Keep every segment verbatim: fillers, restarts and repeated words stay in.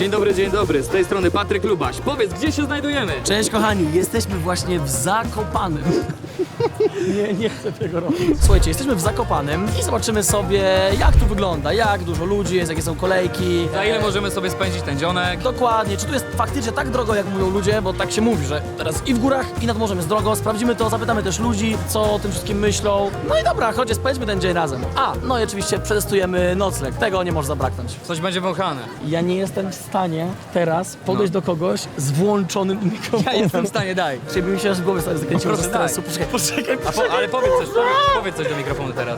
Dzień dobry, dzień dobry, z tej strony Patryk Lubaś. Powiedz, gdzie się znajdujemy? Cześć kochani, jesteśmy właśnie w Zakopanem. Nie, nie chcę tego robić. Słuchajcie, jesteśmy w Zakopanem i zobaczymy sobie, jak tu wygląda, jak dużo ludzi jest, jakie są kolejki. Za ile możemy sobie spędzić ten dzionek? Dokładnie, czy tu jest faktycznie tak drogo, jak mówią ludzie, bo tak się mówi, że teraz i w górach, i nad morzem jest drogo. Sprawdzimy to, zapytamy też ludzi, co o tym wszystkim myślą. No i dobra, chodźcie, spędźmy ten dzień razem. A, no i oczywiście przetestujemy nocleg, tego nie może zabraknąć. Coś będzie wąchane. Ja nie jestem w stanie teraz podejść No. do kogoś z włączonym mikrofonem. Ja jestem w stanie, daj. Czyli by mi się z głowy sobie zakręciło ze Proszę, daj. stresu. Poczekaj, poczekaj, A po, ale powiedz coś, powiedz, powiedz coś do mikrofonu teraz.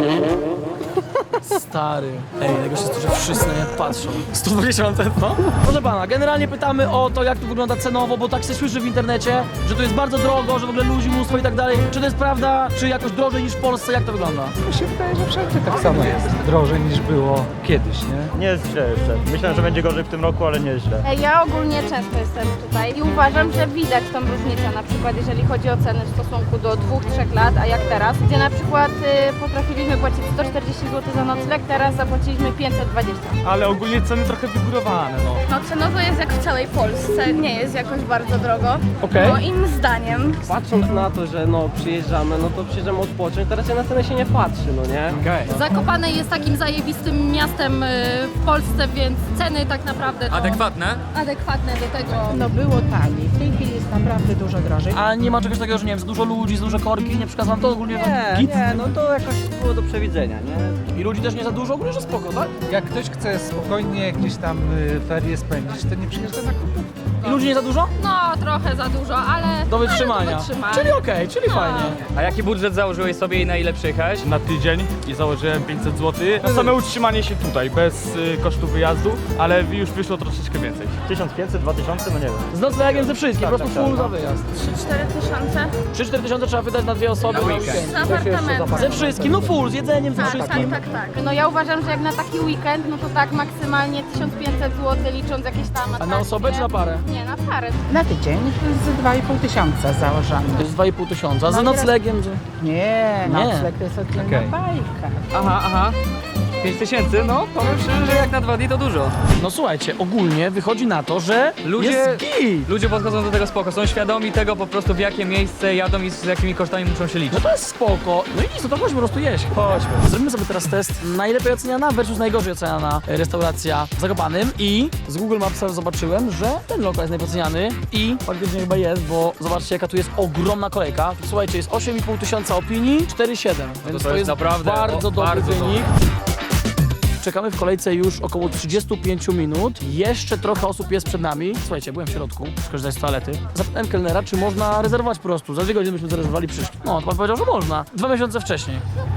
Stary. Ej, najgorsze jest to, że wszyscy na mnie patrzą. sto dwadzieścia mam tętno? Proszę pana, generalnie pytamy o to, jak to wygląda cenowo, bo tak się słyszy w internecie, że tu jest bardzo drogo, że w ogóle ludzi mnóstwo i tak dalej. Czy to jest prawda, czy jakoś drożej niż w Polsce? Jak to wygląda? Mi się wydaje, że wszędzie tak samo jest. Drożej niż było kiedyś, nie? Nie jest źle jeszcze. Myślę, że będzie gorzej w tym roku, ale nie jest źle. Ja ogólnie często jestem tutaj i uważam, że widać tą różnicę, na przykład jeżeli chodzi o ceny w stosunku do dwóch, trzech lat, a jak teraz, gdzie na przykład y, potrafiliśmy płacić sto czterdzieści złotych za nocleg, teraz zapłaciliśmy pięćset dwadzieścia. Ale ogólnie ceny trochę wygórowane, no. No cenowo jest jak w całej Polsce, nie jest jakoś bardzo drogo. Okej. Moim zdaniem. Patrząc na to, że no przyjeżdżamy, no to przyjeżdżamy odpocząć, teraz się na cenę się nie patrzy, no nie? Okej. Zakopane jest takim zajebistym miastem y, w Polsce, więc ceny tak naprawdę to Adekwatne? adekwatne do tego. No było taniej, w tej chwili jest naprawdę dużo drożej. A nie ma czegoś takiego, że nie wiem, za dużo ludzi, za dużo korki, nie przeszkadza wam to ogólnie? Nie, Git? nie, no to jakoś było do przewidzenia, nie? I ludzi też nie za dużo, ogólnie, że spoko, tak? Jak ktoś chce spokojnie gdzieś tam y, ferie spędzić, to nie przyjeżdża na kupę. I ludzi nie za dużo? No trochę za dużo, ale Do wytrzymania. Ale do wytrzymania. Czyli okej, czyli fajnie. A jaki budżet założyłeś sobie i na ile przyjechałeś? Na tydzień i założyłem pięćset złotych. Na same utrzymanie się tutaj, bez y, kosztu wyjazdu, ale już wyszło troszeczkę więcej. tysiąc pięćset, dwa tysiące, no nie wiem. Z noclegiem ze wszystkim, po prostu tak, full tak, za wyjazd. trzy cztery tysiące trzy cztery tysiące trzeba wydać na dwie osoby. Na na weekend. weekend. z apartamentem. Ze wszystkim, no full, z jedzeniem, ze Tak, tak, wszystkim. tak, tak. No ja uważam, że jak na taki weekend, no to tak maksymalnie tysiąc pięćset złotych licząc jakieś tam A na atrakcje. osobę czy na parę? Nie, na parę. Na tydzień z dwa i pół tysiąca założamy. To jest dwa i pół tysiąca, a za No i raz- noclegiem, że... Nie, Nie. nocleg to jest oddzielna Okej. bajka. Aha, aha. pięć tysięcy? No, powiem szczerze, że jak na dwa dni to dużo. No słuchajcie, ogólnie wychodzi na to, że Ludzie- jest git. Ludzie podchodzą do tego spoko, są świadomi tego po prostu w jakie miejsce jadą i z jakimi kosztami muszą się liczyć. No to jest spoko. No i nic, no to chodźmy po prostu jeść. Chodźmy. Zrobimy sobie teraz test najlepiej oceniana versus najgorzej oceniana restauracja w Zakopanem i z Google Mapsa zobaczyłem, że ten lokal jest najpoceniany i faktycznie chyba jest, bo zobaczcie jaka tu jest ogromna kolejka. Słuchajcie, jest osiem i pół tysiąca opinii, cztery siedem, więc to jest naprawdę bardzo o, dobry bardzo wynik. Czekamy w kolejce już około trzydzieści pięć minut. Jeszcze trochę osób jest przed nami. Słuchajcie, byłem w środku, skorzystać z toalety. Zapytałem kelnera, czy można rezerwować po prostu. Za dwie godziny byśmy zarezerwowali, przyszli. No, to pan powiedział, że można. Dwa miesiące wcześniej.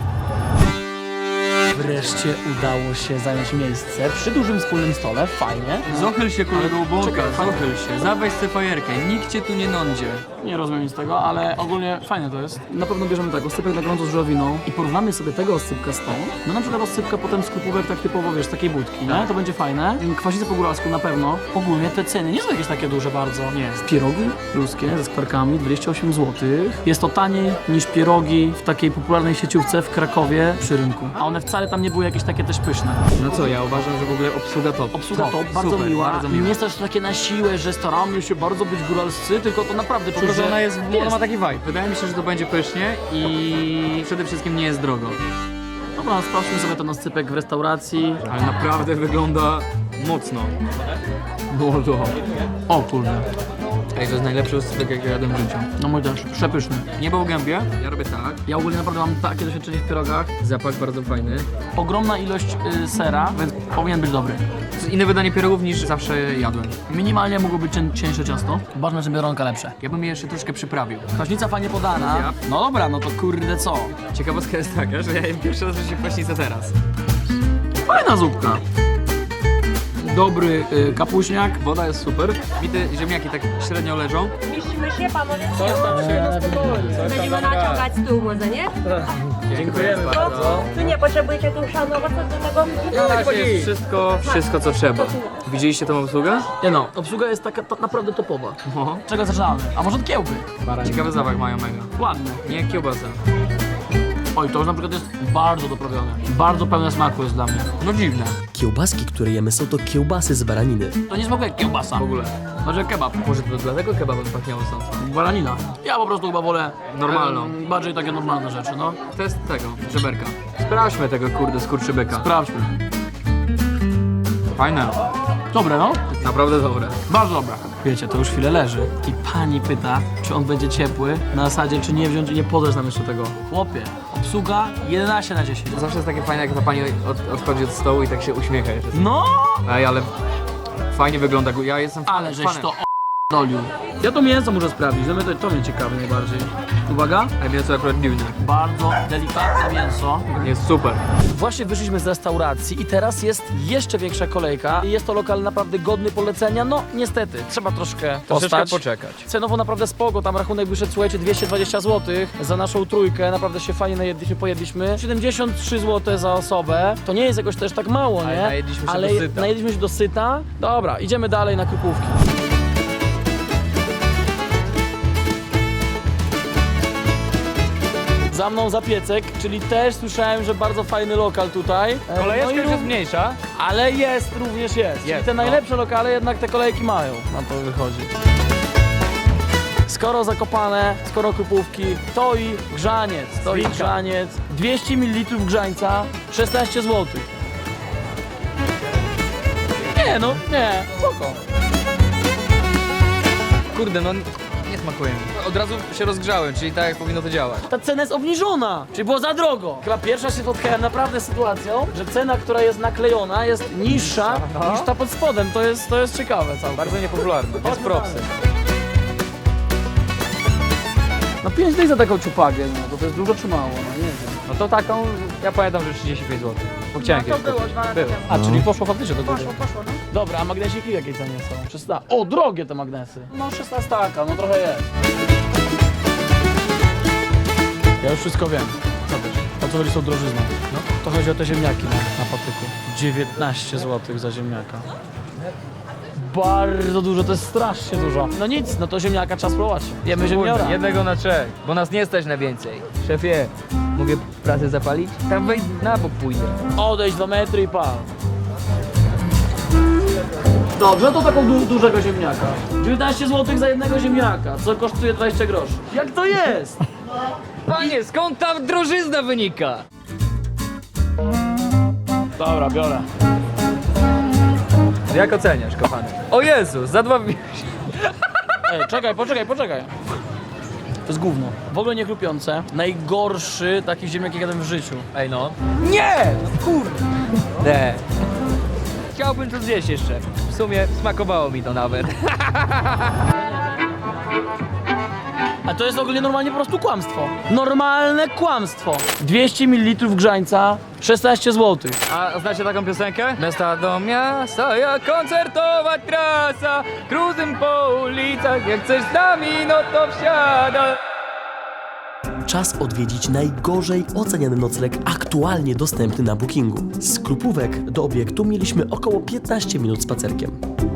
Wreszcie udało się zająć miejsce przy dużym wspólnym stole. Fajnie. Zachyl się kolego błąka, Czekaj, zachyl się, zaweź sobie fajerkę, nikt cię tu nie nądzie. Nie rozumiem nic z tego, ale ogólnie fajne to jest. Na pewno bierzemy tak, oscypek na gorąco z żurawiną i porównamy sobie tego oscypka z tą. No na przykład oscypka potem z krupówek tak typowo, wiesz, z takiej budki, nie? To będzie fajne. Kwasicę po góralsku na pewno. Ogólnie te ceny nie są jakieś takie duże bardzo. Nie. Pierogi ruskie ze skwarkami dwadzieścia osiem złotych. Jest to taniej niż pierogi w takiej popularnej sieciówce w Krakowie przy rynku. A one wcale tam nie były jakieś takie też pyszne. No co, ja uważam, że w ogóle obsługa top. Obsługa to bardzo super, miła. bardzo I miła. nie jest też takie na siłę, że staramy się bardzo być góralscy, tylko to naprawdę czuć, Tylko, że że ona jest, ona ma taki vibe. Wydaje mi się, że to będzie pysznie i przede wszystkim nie jest drogo. Dobra, sprawdźmy sobie ten oscypek w restauracji. Ale naprawdę wygląda mocno. Było O kurde. Ej, to jest najlepszy oscypek, jaki jadłem w życiu. No mój też, przepyszny. Nie był gębie, ja robię tak. Ja ogólnie naprawdę mam takie doświadczenie w pierogach. Zapach bardzo fajny. Ogromna ilość y, sera, więc powinien być dobry. To jest inne wydanie pierogów niż zawsze jadłem. Minimalnie mogło być cień, cieńsze ciasto. Ważne, że biedronka lepsze. Ja bym je jeszcze troszkę przyprawił. Kwaśnica fajnie podana. Ja. No dobra, no to kurde co? Ciekawostka jest taka, że ja jem pierwszy raz w życiu kwaśnicę teraz. Fajna zupka. Dobry y, kapuśniak. Woda jest super. Bite ziemniaki tak średnio leżą. Mieścimy się, panowie. Coś tam się na spokojnie. Będziemy naciągać stół może, nie? Dziękujemy bardzo. Tu nie potrzebujecie tu szanować do tego. Na razie jest wszystko, wszystko co trzeba. Widzieliście tą obsługę? Nie no, obsługa jest taka ta, naprawdę topowa. No. Czego zaczynamy? A może od kiełby? Ciekawy zapach mają mega. Ładne. Nie jak kiełbasa. Oj, to już na przykład jest bardzo doprawione. Bardzo pełne smaku jest dla mnie. No dziwne. Kiełbaski, które jemy, są to kiełbasy z baraniny. To nie smakuje jak kiełbasa w ogóle. Może kebab. Może to dlatego kebabem pachniało stąd. Baranina. Ja po prostu chyba wolę Normalną. em, bardziej takie normalne rzeczy, no. Test tego, żeberka. Sprawdźmy tego kurde skurczybyka. Sprawdźmy. Fajne. Dobre, no. Naprawdę dobre. Bardzo dobre. Wiecie, to już chwilę leży i pani pyta, czy on będzie ciepły, na zasadzie, czy nie wziąć i nie podać nam jeszcze tego. Chłopie, obsługa jedenaście na dziesięć. Zawsze jest takie fajne, jak ta pani od, odchodzi od stołu i tak się uśmiecha jeszcze. No! Ej, ale fajnie wygląda. Ja jestem Ale żeś fanem. to o***dolił. Ja to mięso muszę sprawdzić, no mnie to, to mnie ciekawi najbardziej. Uwaga. Ej, mięso akurat dziwne. Bardzo delikatne mięso. Jest super. Właśnie wyszliśmy z restauracji i teraz jest jeszcze większa kolejka. Jest to lokal naprawdę godny polecenia, no niestety, trzeba troszkę Troszeczkę postać. poczekać. Cenowo naprawdę spoko, tam rachunek wyszedł, słuchajcie, dwieście dwadzieścia złotych za naszą trójkę, naprawdę się fajnie najedliśmy, pojedliśmy. siedemdziesiąt trzy złote za osobę, to nie jest jakoś też tak mało, nie? Ale najedliśmy się Ale do syta. najedliśmy się do syta. Dobra, idziemy dalej na krupówki. Za mną Zapiecek, czyli też słyszałem, że bardzo fajny lokal tutaj. E, Kolejeczka no i już jest ró- mniejsza. ale jest, również jest. Czyli Jest, te no. najlepsze lokale jednak te kolejki mają. Na to wychodzi. Skoro Zakopane, skoro Krupówki, to i grzaniec, to i Zwinka. grzaniec. dwieście mililitrów grzańca, szesnaście złotych. Nie no, nie, spoko. Kurde, no nie smakuje mi. Od razu się rozgrzałem, czyli tak jak powinno to działać. Ta cena jest obniżona, czyli było za drogo. Chyba pierwsza się spotkałem naprawdę z sytuacją, że cena, która jest naklejona, jest niższa No. niż ta pod spodem. To jest, to jest ciekawe całkiem. Bardzo niepopularne, więc propsy. No pięć dych za taką ciupagę, no to, to jest dużo czy mało, no nie wiem. No to taką, ja pamiętam, że trzydzieści pięć złotych. Bo chciałem No to kiedyś było kupić. dwa lata Było. temu. A, czyli poszło faktycznie do góry. Poszło, poszło, no. Dobra, a magnesiki w jakiej cenie są? szesnaście. O, drogie te magnesy. No szesnastaka, no trochę jest. Ja już wszystko wiem. Co wiesz? O co chodzi z tą drożyzną? No, to chodzi o te ziemniaki na, na patyku. dziewiętnaście złotych za ziemniaka. Bardzo dużo, to jest strasznie dużo. No nic, no to ziemniaka trzeba spróbować. Jemy ziemniora. Kurde, jednego na trzech, bo nas nie stać na więcej. Szefie, mogę pracę zapalić? Tam wejdź na bok pójdę. Odejdź dwa metry i pal. Dobrze, to taką du dużego ziemniaka. dziewiętnaście złotych za jednego ziemniaka, co kosztuje dwadzieścia groszy. Jak to jest? Panie, skąd ta drożyzna wynika? Dobra, biorę. Jak oceniasz, kochany? O Jezus, za dwa... Ej, czekaj, poczekaj, poczekaj. To jest gówno. W ogóle nie chrupiące. Najgorszy taki ziemniak, jaki jadłem w życiu. Ej no. Nie! Kurde. Chciałbym to zjeść jeszcze. W sumie smakowało mi to nawet. A to jest ogólnie normalnie po prostu kłamstwo. Normalne kłamstwo. dwieście mililitrów grzańca, szesnaście złotych. A znacie taką piosenkę? Miasta do miasta, jak koncertowa trasa, cruzem po ulicach, jak chcesz z nami, no to wsiada. Czas odwiedzić najgorzej oceniany nocleg aktualnie dostępny na Bookingu. Z Krupówek do obiektu mieliśmy około piętnaście minut spacerkiem.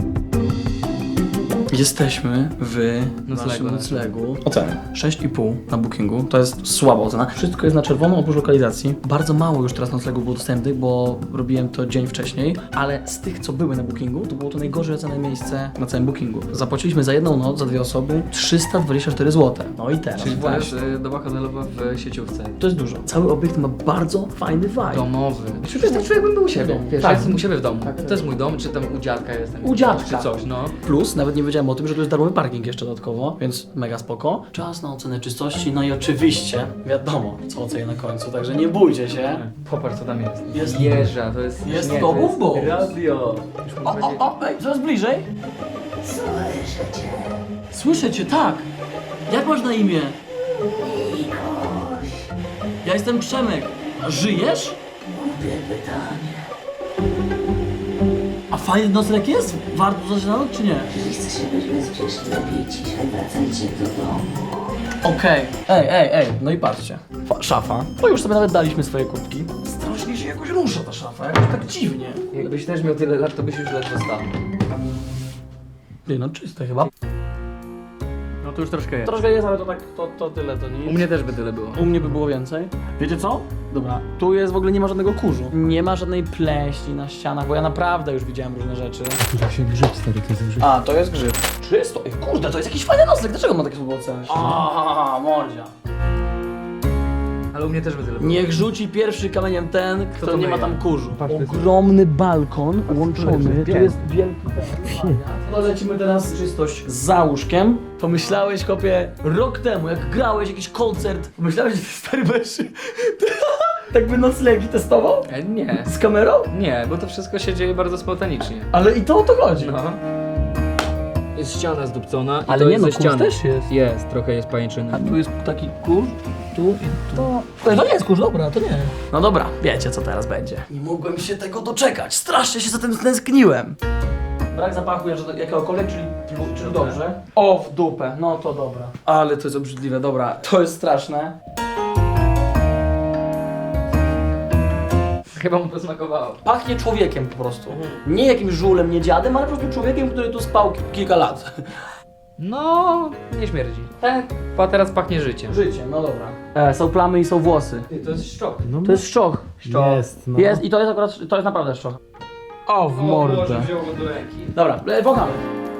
Jesteśmy w Noclegu. naszym noclegu. Oceny sześć i pół na Bookingu. To jest słaba ocena. Wszystko jest na czerwono oprócz lokalizacji. Bardzo mało już teraz noclegów było dostępnych, bo robiłem to dzień wcześniej, ale z tych, co były na Bookingu, to było to najgorzej ocenione miejsce na całym Bookingu. Zapłaciliśmy za jedną noc, za dwie osoby trzysta dwadzieścia cztery złote. No i teraz. tak. doba hotelowa w sieciówce. To jest dużo. Cały obiekt ma bardzo fajny vibe. Domowy. Przecież tak czuję, jakbym był u siebie. Wiesz, Tak. ja jestem u siebie w domu. Tak, tak. To jest mój dom, czy tam u dziadka jestem. U dziadka. Czy coś, no. Plus, nawet nie wiedziałem o tym, że tu jest darmowy parking jeszcze dodatkowo, więc mega spoko. Czas na ocenę czystości, no i oczywiście wiadomo, co ocenię na końcu, także nie bójcie się. Popatrz, co tam jest. Jest- Jeża, to jest... jest nie, to to jest Bumbo. radio. O, o, o, ej, coraz bliżej. Słyszę cię. Słyszę cię, tak. Jak masz na imię? Ja jestem Przemek. A żyjesz? Głupie pytanie. A fajny nocleg jest? Warto zaczynać, czy nie? Jeśli chcesz być bezpieczny, lepiej ciszej wracajcie do domu. Okej. Ej, ej, ej, no i patrzcie. Fa- Szafa. To już sobie nawet daliśmy swoje kubki. Strasznie się jakoś rusza ta szafa, jakoś tak dziwnie. Jakbyś też miał tyle lat, to byś już ledwo stał. Nie no, czyste chyba. No to już troszkę jest. Troszkę jest, ale to tak, to, to tyle, to nic. U mnie też by tyle było. U mnie by było więcej. Wiecie co? Dobra, tu jest w ogóle nie ma żadnego kurzu. Nie ma żadnej pleśni na ścianach, bo ja naprawdę już widziałem różne rzeczy. Tu się grzyb, stary, to jest grzyb. A, to jest grzyb. Czysto. Ej, kurde, to jest jakiś fajny nocleg. Dlaczego ma takie słowo oceny? Aha, mordzia. Ale u mnie też by tyle było. Niech rzuci pierwszy kamieniem ten, kto to nie ma myje? tam kurzu. Patrz, to jest- Ogromny balkon łączony. Tu Piękny. jest wielki ten. No lecimy teraz czystość za łóżkiem. Pomyślałeś, kopie, rok temu, jak grałeś jakiś koncert, pomyślałeś, że ty stary będziesz tak by noclegi testował? E, nie. Z kamerą? Nie, bo to wszystko się dzieje bardzo spontanicznie. Ale i to o to chodzi. No. Jest ściana zdupcona i Ale to nie jest no, ze kurz ściany. też jest. Jest, trochę jest pajęczyny. A tu jest taki kurz, tu i tu. To, to nie jest kurz, dobra, to nie. No dobra, wiecie co teraz będzie. Nie mogłem się tego doczekać, strasznie się za tym stęskniłem. Brak zapachu jakiegokolwiek, czyli, czyli dobrze. O, w dupę, no to dobra. Ale to jest obrzydliwe, dobra, to jest straszne. Chyba mu posmakowało. Pachnie człowiekiem po prostu. Nie jakimś żulem, nie dziadem, ale po prostu człowiekiem, który tu spał ki- kilka lat. No, nie śmierdzi. Tak. A teraz pachnie życiem. Życie, no dobra. E, są plamy i są włosy. To jest szczok. To jest szczoch. Jest, no. Jest i to jest akurat, to jest naprawdę szczoch. O, w mordę. wziął go do ręki. Dobra, e, wąchamy.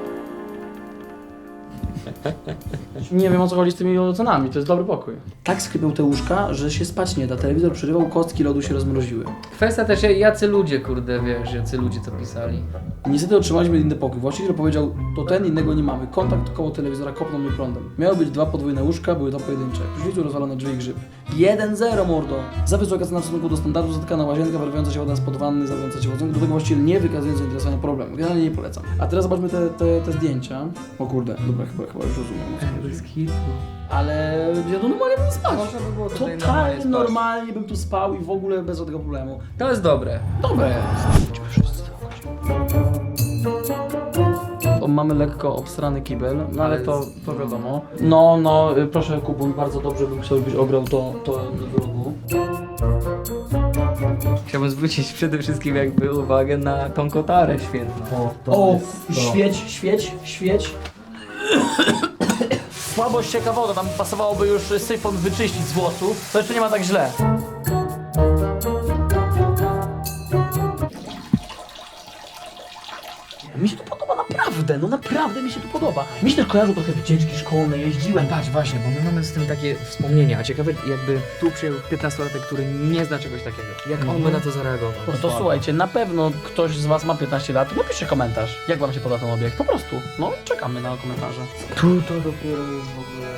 Nie wiem o co chodzi z tymi ocenami, to jest dobry pokój. Tak skrypią te łóżka, że się spać nie da. Telewizor przerywał, kostki lodu się rozmroziły. Kwestia też, jacy ludzie, kurde, wiesz, jacy ludzie to pisali. Niestety otrzymaliśmy inny pokój. Właściciel powiedział, to ten, innego nie mamy. Kontakt koło telewizora kopnął mnie prądem. Miały być dwa podwójne łóżka, były to pojedyncze. W prysznicu rozwalone drzwi i grzyb. jeden zero, mordo! Za wysoka cena w stosunku do standardu, zatykana łazienka, wyrywająca się woda spod wanny, zawracająca się wodą. Do tego właściciel nie wykazuje zainteresowania problemem. Generalnie nie polecam. A teraz zobaczmy te, te, te zdjęcia. O kurde, dobra, chyba, chyba już rozumiem. Ale ja tu normalnie bym spać. Można by było tutaj normalnie Totalnie spać. normalnie bym tu spał i w ogóle bez żadnego problemu. To jest dobre. Dobre jest. O, mamy lekko obstrany kibel, no ale to, to wiadomo. No, no, y, proszę Kubun, bardzo dobrze bym chciał, żebyś ograł to, to w rogu. Chciałbym zwrócić przede wszystkim jakby uwagę na tą kotarę świetną. O, świeć, świeć, świeć. Słabo ścieka woda, tam pasowałoby już syfon wyczyścić z włosów. To jeszcze nie ma tak źle. Mi się tu podoba naprawdę, no naprawdę mi się tu podoba. Mi się też kojarzą trochę wycieczki szkolne, jeździłem. Patrz, właśnie, bo my mamy z tym takie wspomnienia, a ciekawe jakby tu przyjął piętnastolatek, który nie zna czegoś takiego. Jak on by na to zareagował? No to słuchajcie, na pewno ktoś z was ma piętnaście lat, napiszcie komentarz, jak wam się podoba ten obiekt, po prostu. No, czekamy na komentarze. Tu to dopiero jest w ogóle...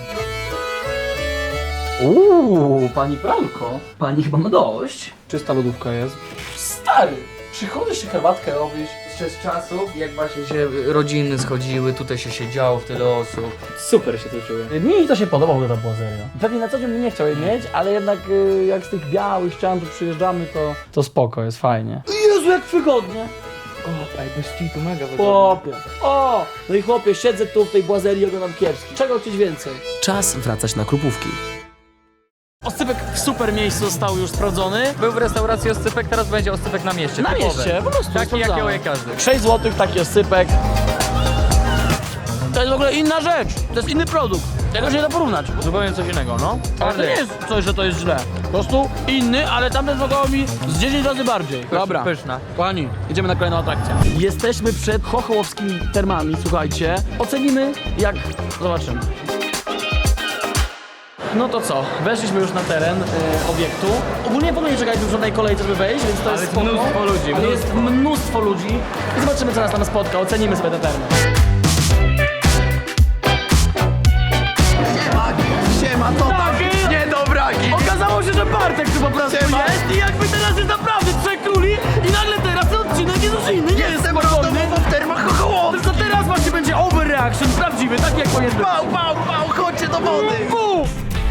Uuu, pani pralko, pani chyba ma dość. Czysta lodówka jest. Stary, przychodzisz się herbatkę robić. Z czasów, jak właśnie się rodziny schodziły, tutaj się siedziało w tyle osób. Super się to czuję. Mi to się podoba w ogóle ta błazeria. Pewnie na co dzień bym nie chciał jej mieć, ale jednak y, jak z tych białych ścian tu przyjeżdżamy, to, to spoko, jest fajnie. Jezu, jak wygodnie. O, ej, bez tu mega wygodnie. Chłopie. O! No i chłopie, siedzę tu w tej błazerii i oglądam kiepski. Czego chcieć więcej? Czas wracać na Krupówki. Oscypek w super miejscu został już sprawdzony. Był w restauracji oscypek, teraz będzie oscypek na mieście. Na typowy. mieście, po prostu Taki sprawdzamy. jakiego je każdy. sześć złotych taki oscypek. To jest w ogóle inna rzecz. To jest inny produkt. Tego się nie da porównać. Zupełnie coś innego, no. Ale to nie jest coś, że to jest źle. Po prostu inny, ale tamten smakował mi z dziesięć razy bardziej. Dobra. Pyszna. Kochani, idziemy na kolejną atrakcję. Jesteśmy przed chochołowskimi termami, słuchajcie. Ocenimy jak... Zobaczymy. No to co, weszliśmy już na teren y, obiektu. Ogólnie w ogóle nie czekaliśmy w żadnej kolejce, żeby wejść, więc to Ale jest jest spoko. mnóstwo ludzi, Ale mnóstwo. jest mnóstwo ludzi i zobaczymy co nas tam spotka, ocenimy sobie te termy. Siema, to tak, nie dobraki. Okazało się, że Bartek tu po prostu Siema. jest i jakby teraz jest naprawdę trzech króli i nagle teraz ten odcinek jest już inny, nie jest Jestem spokojny. randomowo w termach Chochołowskich. To teraz właśnie będzie overreaction, prawdziwy, tak jak powinien być. Pał, pał, pał, chodźcie do wody. Bum!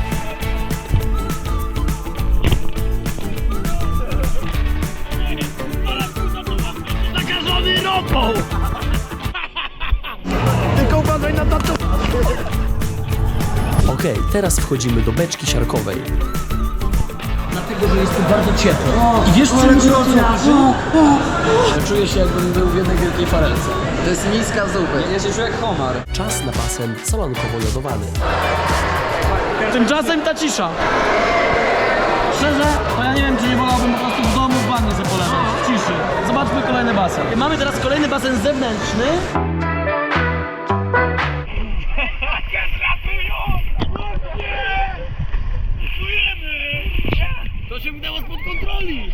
Zakażony ropą. Tylko uważaj na tato. Okej, teraz wchodzimy do beczki siarkowej. Dlatego, że jest tu bardzo ciepło. I wiesz, co mnie rozraża? Czuję się, jakbym był w jednej wielkiej farelce. To jest miska zupy. Ja się czuję jak homar. Czas na basen solankowo-jodowany. Tymczasem ta cisza. Szczerze, to ja nie wiem, czy nie wolałbym po prostu w domu w wannie sobie poleżeć, w ciszy. Zobaczmy kolejny basen. Mamy teraz kolejny basen zewnętrzny. To się wydało spod kontroli.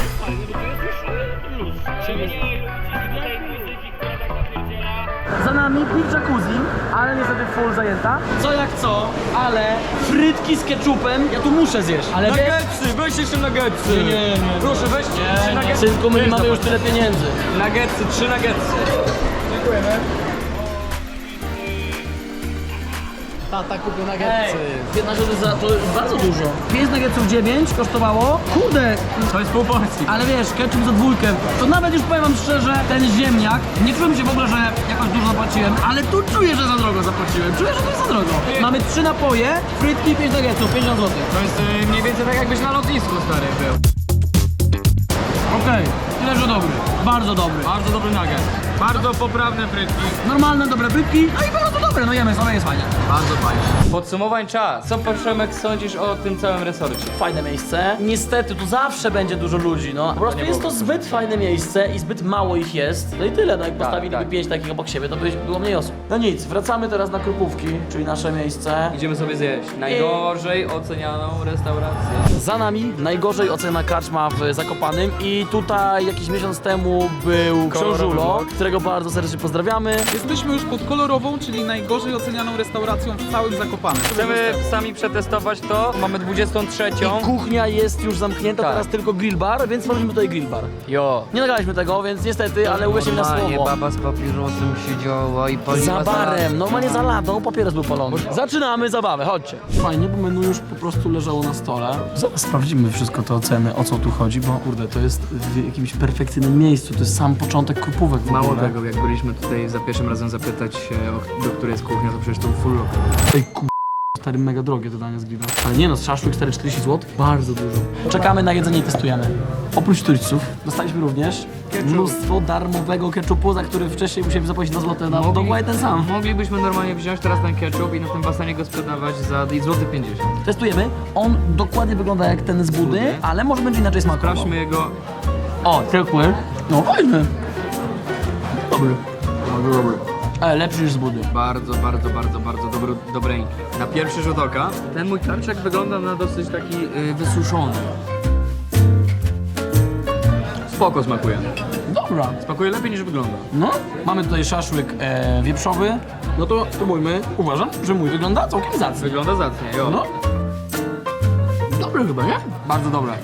Za nami pik jacuzzi, ale niestety full zajęta. Co jak co, ale frytki z ketchupem ja tu muszę zjeść. Ale Nuggetsy, weź jeszcze nuggetsy. Nie, nie, nie. Proszę, weź trzy nuggetsy. Synku, my nie mamy już tyle pieniędzy. Nuggetsy, trzy nuggetsy. Tata kupił Ej, nuggetsy. piętnaście złotych za to jest bardzo dużo. pięć nuggetsów dziewięć kosztowało. Kurde, To jest pół porcji. ale wiesz, ketchup za dwójkę. To nawet już powiem wam szczerze, ten ziemniak, nie czułem się w ogóle, że jakoś dużo zapłaciłem, ale tu czuję, że za drogo zapłaciłem. Czuję, że to jest za drogo. Mamy trzy napoje, frytki i pięć nuggetsów, pięćdziesiąt złotych. To jest y, mniej więcej tak jakbyś na lotnisku, stary, był. Okej, tyle, że dobry. Bardzo dobry. Bardzo dobry nugget. Bardzo poprawne frytki. Normalne, dobre frytki, no i bardzo dobre, no jemy sobie, jest fajnie. Bardzo fajnie. Podsumowań czas. Co, Przemek, sądzisz o tym całym resorcie? Fajne miejsce. Niestety, tu zawsze będzie dużo ludzi, no. Po prostu nie jest to byłoby. zbyt fajne miejsce i zbyt mało ich jest. No i tyle, no jak postawiliby tak. pięć takich obok siebie, to by było mniej osób. No nic, wracamy teraz na Krupówki, czyli nasze miejsce. Idziemy sobie zjeść najgorzej ocenianą restaurację. Za nami najgorzej ocena karczma w Zakopanym i tutaj jakiś miesiąc temu był Książulo, którego bardzo serdecznie pozdrawiamy. Jesteśmy już pod kolorową, czyli najgorzej ocenianą restauracją w całym Zakopanem. Chcemy sami przetestować to. Mamy dwudziestą trzecią. I kuchnia jest już zamknięta, Tak. teraz tylko grill bar, więc stworzyliśmy tutaj grill bar. Jo. Nie nagraliśmy tego, więc niestety, ale uwierzcie mi na słowo. baba z papierosem siedziała i paliła Za barem, normalnie za ladą, papieros był palony. Zaczynamy zabawę, chodźcie. Fajnie, bo menu już po prostu leżało na stole. Zaraz sprawdzimy wszystko te oceny, o co tu chodzi, bo kurde, to jest w jakimś perfekcyjnym miejscu, to jest sam początek Krupówek w Mało ogóle. tego, jak byliśmy tutaj za pierwszym razem zapytać się, o- do której jest kuchnia, to przecież to był full local. Ej, ku... Stary, mega drogie te dania z grilla. Ale nie no, szaszłyk czterysta czterdzieści złotych? Bardzo dużo. Czekamy na jedzenie i testujemy. Oprócz turystów dostaliśmy również mnóstwo darmowego ketchupu, za który wcześniej musieliśmy zapłacić dwa złote na Mogli- dokładnie ten sam. Moglibyśmy normalnie wziąć teraz ten ketchup i na tym basenie go sprzedawać za złoty pięćdziesiąt. Testujemy. On dokładnie wygląda jak ten z budy, ale może będzie inaczej smakował. Sprawdźmy jego... O, ciepły. No fajny. Dobry. Bardzo dobry. Ale lepszy niż z budy. Bardzo, bardzo, bardzo, bardzo dobry, dobreńki. Na pierwszy rzut oka ten mój karczak wygląda na dosyć taki y, wysuszony. Spoko smakuje. Dobra. Smakuje lepiej niż wygląda. No, mamy tutaj szaszłyk e, wieprzowy. No to spróbujmy. Uważam, że mój wygląda całkiem zacnie. Wygląda zacnie, jo. No. Dobry chyba, nie? Bardzo dobre.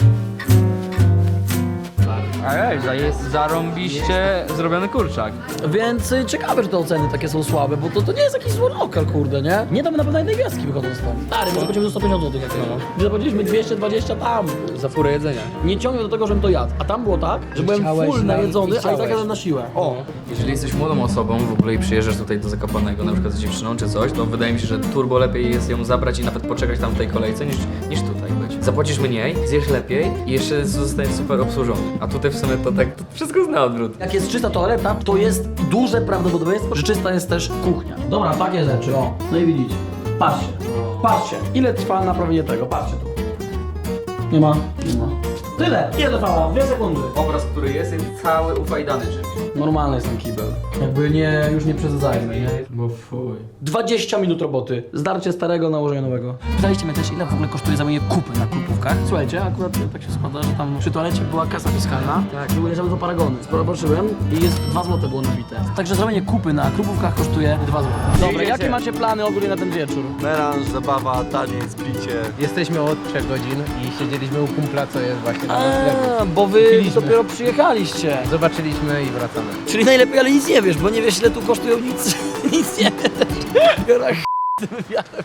Ej, to jest zarąbiście zrobiony kurczak. Więc y, ciekawe, że te oceny takie są słabe, bo to, to nie jest jakiś zły lokal, kurde, nie? Nie damy na pewno jednej gwiazdki wychodząc stąd. Stary, my zapłacimy za sto pięćdziesiąt złotych jakieś. My zapłaciliśmy dwieście dwadzieścia tam. Za furę jedzenia. Nie ciągnie do tego, żebym to jadł. A tam było tak, że byłem chciałeś full na- najedzony, i a i tak chciałeś. jadłem na siłę. O. Jeżeli jesteś młodą osobą w ogóle i przyjeżdżasz tutaj do Zakopanego, na przykład z dziewczyną czy coś, to wydaje mi się, że turbo lepiej jest ją zabrać i nawet poczekać tam w tej kolejce niż, niż tutaj być. Zapłacisz mniej, zjesz lepiej i jeszcze zostaniesz super obsłużony. A tutaj w sumie to tak to wszystko zna odwrót. Jak jest czysta toaleta, to jest duże prawdopodobieństwo, że czysta jest też kuchnia. Dobra, takie rzeczy, o. No i widzicie. Patrzcie. Patrzcie. Ile trwa naprawienie tego? Patrzcie tu. Nie ma. Nie ma. Tyle. Ile trwało? Dwie sekundy. Obraz, który jest, jest cały ufajdany czymś. Normalny jest ten kibel. Jakby nie, już nie przesadzajmy, nie? Bo fuj. dwadzieścia minut roboty. Zdarcie starego, nałożenie nowego. Pytaliście mnie też, ile w ogóle kosztuje zamówienie kupy na Krupówkach. Słuchajcie, akurat tak się składa, że tam przy toalecie była kasa fiskalna. Tak. Były leżały to paragony. Zobaczyłem i jest dwa złote było nabite. Także zrobienie kupy na Krupówkach kosztuje dwa złote. Dobra, jakie macie plany ogólnie na ten wieczór? Melanż, zabawa, taniec, bicie. Jesteśmy od trzech godzin i siedzieliśmy u kumpla, co jest właśnie na noclegu. A, bo wy dopiero przyjechaliście. Zobaczyliśmy i wracamy. Czyli najlepiej, ale nic nie wiesz, bo nie wiesz, ile tu kosztują nic. Nic nie wiesz. Biorę tym wywiadem.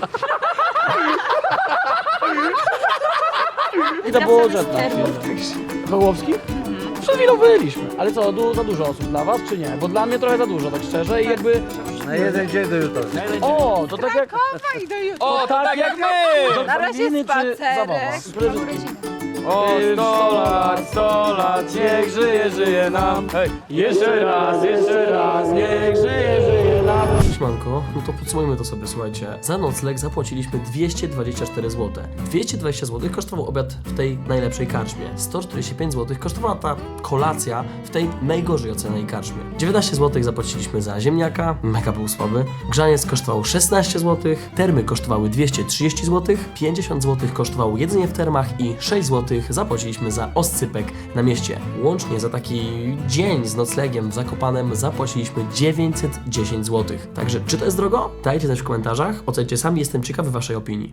I to było żadne. Wołowski? Przed chwilą byliśmy. Ale co, du za dużo osób dla was, czy nie? Bo dla mnie trochę za dużo, tak szczerze i jakby... Na jeden dzień do jutra. O, to tak jak... i do jutra. O, to tak jak my! Na razie spacerek. O, sto lat, sto lat, niech żyje, żyje nam. Hej, jeszcze raz, jeszcze raz, niech żyje, żyje nam. Siemanko, no to podsumujmy to sobie, słuchajcie. Za nocleg zapłaciliśmy dwieście dwadzieścia cztery złote. dwieście dwadzieścia złotych kosztował obiad w tej najlepszej karczmie. sto czterdzieści pięć złotych kosztowała ta kolacja w tej najgorzej ocenianej karczmie. dziewiętnaście złotych zapłaciliśmy za ziemniaka, mega był słaby. Grzaniec kosztował szesnaście złotych, termy kosztowały dwieście trzydzieści złotych, pięćdziesiąt złotych kosztowało jedzenie w termach i sześć złotych zapłaciliśmy za oscypek na mieście. Łącznie za taki dzień z noclegiem w Zakopanem zapłaciliśmy dziewięćset dziesięć złotych. Także czy to jest drogo? Dajcie znać w komentarzach, ocencie sami, jestem ciekawy waszej opinii.